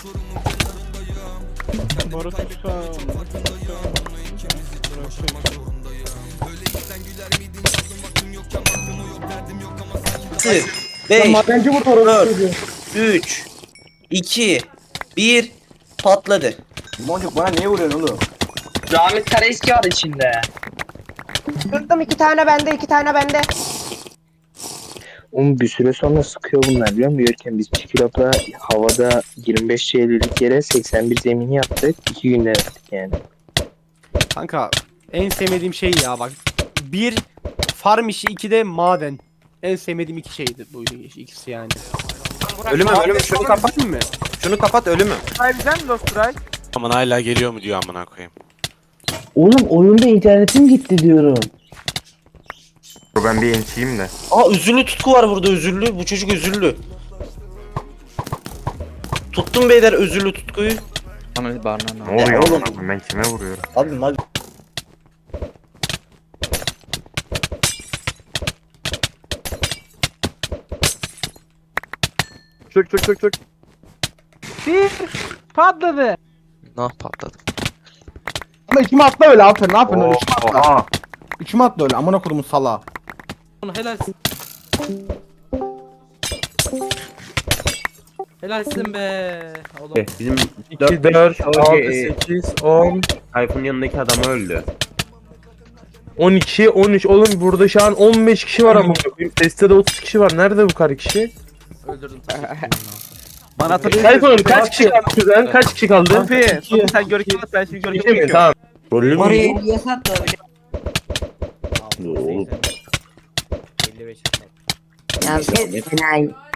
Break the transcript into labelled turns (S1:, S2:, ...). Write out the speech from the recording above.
S1: 5,
S2: Madenci vurdu orası.
S1: 4, 3, 2, 1 patladı.
S3: Boncuk bana niye vuruyorsun oğlum?
S4: Rahmet Karaeski var içinde.
S5: Kırdım, 2 tane bende, 2 tane bende.
S6: Oğlum bir süre sonra sıkıyor bunlar biliyor musun? Yürürken biz Çikilop'la havada 25 CL'lik yere 81 zemini yaptık. 2 günde yaptık yani.
S7: Kanka en sevmediğim şey ya bak. Bir farm işi, iki de maden. En sevmediğim iki şeydi buydu ikisi yani.
S8: Ölümüm şunu kapat.
S7: Değil mi?
S8: Şunu kapat ölümüm.
S9: Aman hala geliyor mu diyor amına koyayım.
S6: Oğlum oyunda internetim gitti diyorum.
S10: Ben bir entiyim de.
S1: Aa üzüllü tutku var burada, üzüllü. Bu çocuk üzüllü. Tuttum beyler özürlü tutkuyu.
S10: Ne oluyor
S1: oğlum?
S10: oğlum? Ben kime vuruyorum?
S1: Abi.
S2: Çık. Bir patladı.
S8: Nah patladı.
S2: Ama içime atla öyle aferin. Ne yapıyorsun öyle? İçime atla.
S10: Aa.
S2: İçime atla öyle. Amına kodumun salağı.
S7: Helalsin. Helalsin be. Oğlum.
S8: Bizim
S10: 2, 4, 6, 8, 10.
S8: Tayfun'un yanındaki adam öldü.
S10: 12, 13. Oğlum burada şu an 15 kişi var ama. Teste de 30 kişi var. Nerede bu kadar kişi?
S7: Öldürdüm.
S2: Bana hatırlıyor.
S10: Tayfun kaç kişi kaldı kuzen? Kaç kişi kaldı?
S2: Sen görkem at, ben şimdi
S10: İki mi? Tamam.
S1: Rollü mü?
S5: Oraya niye sattı?
S7: 55.
S5: Ya enayi.